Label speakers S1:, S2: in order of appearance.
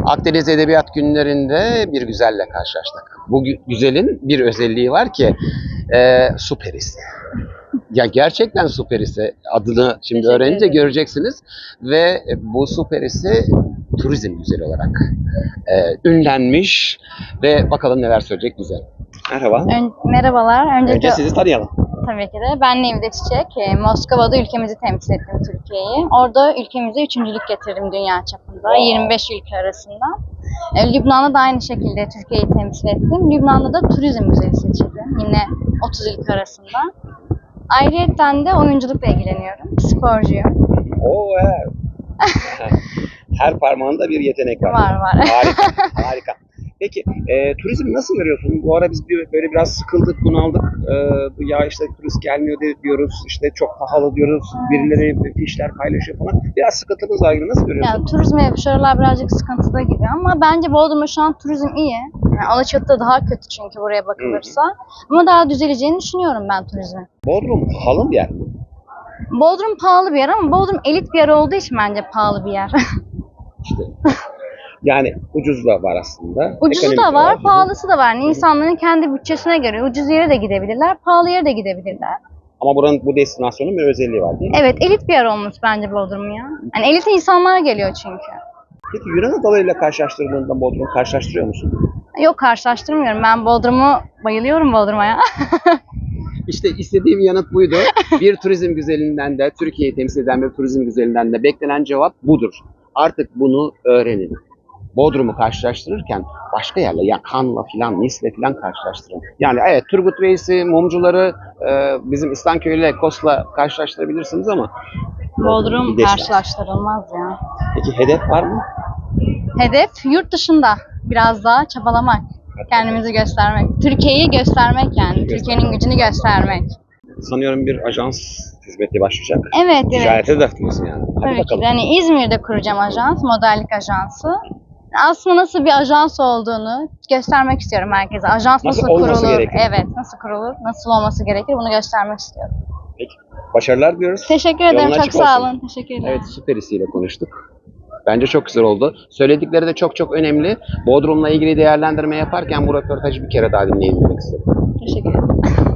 S1: Akdeniz Edebiyat Günlerinde bir güzelle karşılaştık. Bu güzelin bir özelliği var ki su perisi. Ya gerçekten su perisi. Adını şimdi
S2: Teşekkür
S1: öğrenince
S2: ederim.
S1: göreceksiniz. Ve bu su perisi turizm güzeli olarak ünlenmiş. Ve bakalım neler söyleyecek güzel. Merhaba.
S2: Merhabalar.
S1: Önce sizi tanıyalım.
S2: Tabii ki de ben Nevide Çiçek. Moskova'da ülkemizi temsil ettim, Türkiye'yi. Orada ülkemize üçüncülük getirdim dünya çapında, 25 ülke arasında. Lübnan'da da aynı şekilde Türkiye'yi temsil ettim. Lübnan'da da turizm güzeli seçildim. Yine 30 ülke arasında. Ayrıyeten de oyunculukla ilgileniyorum. Sporcuyum.
S1: Oo, evet. Her parmağında bir yetenek var.
S2: Var.
S1: Harika, harika. Peki, turizmi nasıl görüyorsun? Bu ara biz böyle biraz sıkıldık, bunaldık. Ya işte turist gelmiyor diyoruz, işte çok pahalı diyoruz, birileri fişler paylaşıyor falan. Biraz sıkıntımız var gibi. Nasıl görüyorsun?
S2: Yani turizme şu aralar birazcık sıkıntıda gibi ama bence Bodrum'da şu an turizm iyi. Yani Alaçatı'da daha kötü çünkü buraya bakılırsa. Ama daha düzeleceğini düşünüyorum ben turizmin.
S1: Bodrum pahalı bir yer mi?
S2: Bodrum pahalı bir yer ama Bodrum elit bir yer olduğu için bence pahalı bir yer.
S1: İşte. Yani ucuz da var aslında.
S2: Ucuzu
S1: ekonomik
S2: da var,
S1: Hı hı.
S2: pahalısı da var. Yani insanların kendi bütçesine göre ucuz yere de gidebilirler, pahalı yere de gidebilirler.
S1: Ama bu destinasyonun bir özelliği var değil mi?
S2: Evet, elit bir yer olmuş bence Bodrum ya. Yani elit insanlar geliyor çünkü.
S1: Peki Yunan adalarıyla karşılaştırdığında Bodrum'u karşılaştırıyor musun?
S2: Yok, karşılaştırmıyorum. Ben Bodrum'u bayılıyorum Bodrum'a ya.
S1: İşte istediğim yanıt buydu. Bir turizm güzelinden de, Türkiye'yi temsil eden bir turizm güzelinden de beklenen cevap budur. Artık bunu öğrenin. Bodrum'u karşılaştırırken başka yerle, ya Kan'la filan, Nis'le filan karşılaştırın. Yani evet, Turgut Reis'i, mumcuları bizim İslanköy'le, Kos'la karşılaştırabilirsiniz ama
S2: Bodrum
S1: bir destan.
S2: karşılaştırılmaz ya.
S1: Peki hedef var mı?
S2: Hedef yurt dışında biraz daha çabalamak, kendimizi göstermek, Türkiye'yi göstermek yani, Türkiye'nin gücünü göstermek.
S1: Sanıyorum bir ajans hizmeti başlayacak.
S2: Evet.
S1: Ticarete de atılıyorsun yani. Hadi
S2: Tabii ki
S1: bakalım.
S2: de. Yani İzmir'de kuracağım ajans, modellik ajansı. Aslında nasıl bir ajans olduğunu göstermek istiyorum herkese. Ajans
S1: Nasıl
S2: nasıl
S1: olması
S2: kurulur?
S1: gerekir?
S2: Evet, nasıl kurulur? Nasıl olması gerekir? Bunu göstermek istiyorum.
S1: Peki. Başarılar diliyoruz.
S2: Teşekkür ederim.
S1: Yolun
S2: Çok
S1: açık
S2: sağ
S1: olsun.
S2: olun. Teşekkür ederim.
S1: Evet, süperisiyle konuştuk. Bence çok güzel oldu. Söyledikleri de çok önemli. Bodrum'la ilgili değerlendirme yaparken bu röportajı bir kere daha dinleyin demek istedim.
S2: Teşekkür ederim.